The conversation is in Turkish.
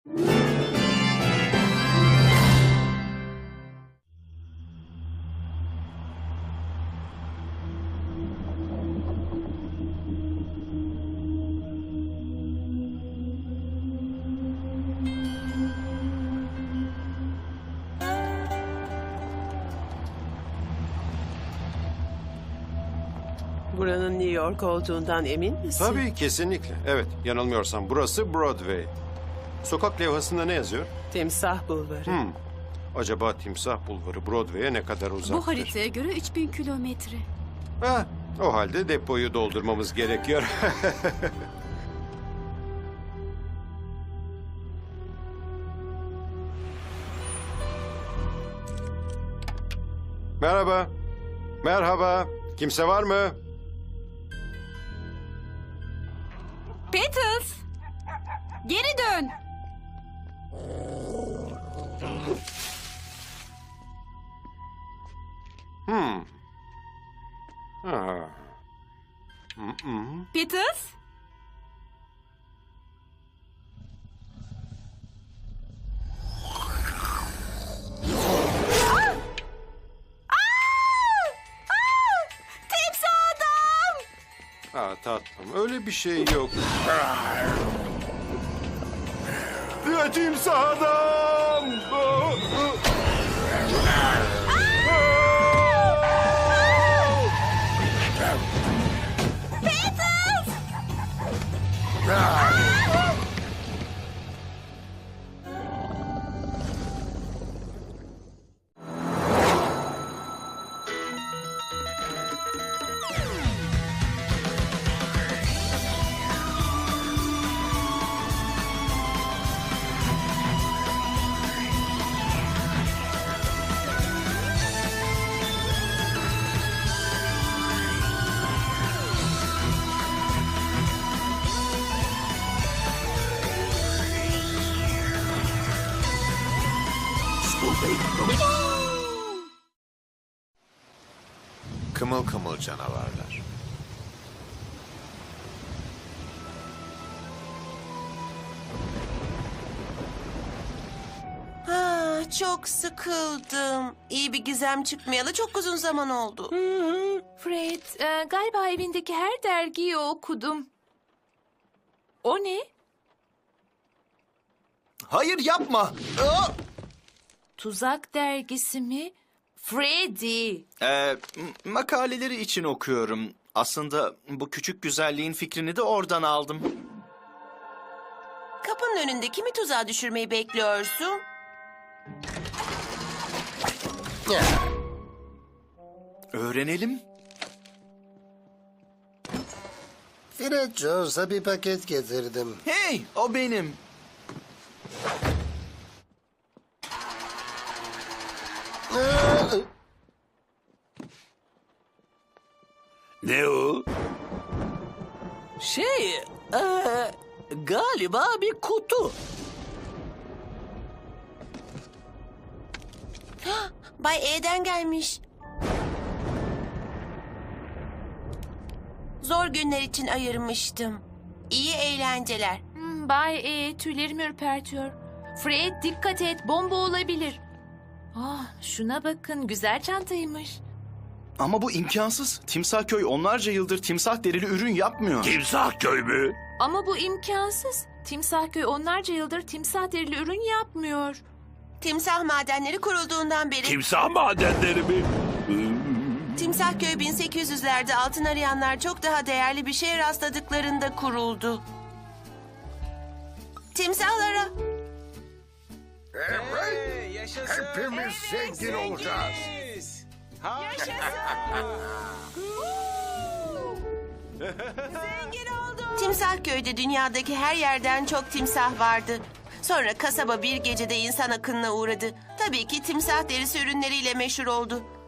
Buranın New York olduğundan emin misin? Tabii, kesinlikle. Evet, yanılmıyorsam burası Broadway. Sokak levhasında ne yazıyor? Timsah Bulvarı. Acaba Timsah Bulvarı Broadway'e ne kadar uzaktır? Bu haritaya göre 3000 kilometre. Ha, o halde depoyu doldurmamız gerekiyor. Merhaba. Merhaba. Kimse var mı? Peters! Geri dön! Ha. Peters? Timsah adam! Ha, tatlım, öyle bir şey yok. Timsah adam! Kımıl kımıl canavarlar. Çok sıkıldım. İyi bir gizem çıkmayalı çok uzun zaman oldu. Fred, galiba evindeki her dergiyi okudum. O ne? Hayır, yapma. Tuzak dergisi mi? Freddy. Makaleleri için okuyorum. Aslında bu küçük güzelliğin fikrini de oradan aldım. Kapının önünde kimi tuzağa düşürmeyi bekliyorsun? Öğrenelim. Fred Jones'a bir paket getirdim. Hey, o benim. Ne o? Galiba bir kutu. Bay E'den gelmiş. Zor günler için ayırmıştım. İyi eğlenceler. Bay tüylerimi ürpertiyor. Fred, dikkat et, bomba olabilir. Şuna bakın, güzel çantaymış. Ama bu imkansız. Timsah Köy onlarca yıldır timsah derili ürün yapmıyor. Timsah köy mü? Ama bu imkansız. Timsahköy onlarca yıldır timsah derili ürün yapmıyor. Timsah madenleri kurulduğundan beri... Timsah madenleri mi? Timsahköy 1800'lerde altın arayanlar çok daha değerli bir şeye rastladıklarında kuruldu. Timsahlara... Evet, hepimiz zengin olacağız. Timsahköy'de dünyadaki her yerden çok timsah vardı. Sonra kasaba bir gecede insan akınına uğradı. Tabii ki timsah derisi ürünleriyle meşhur oldu.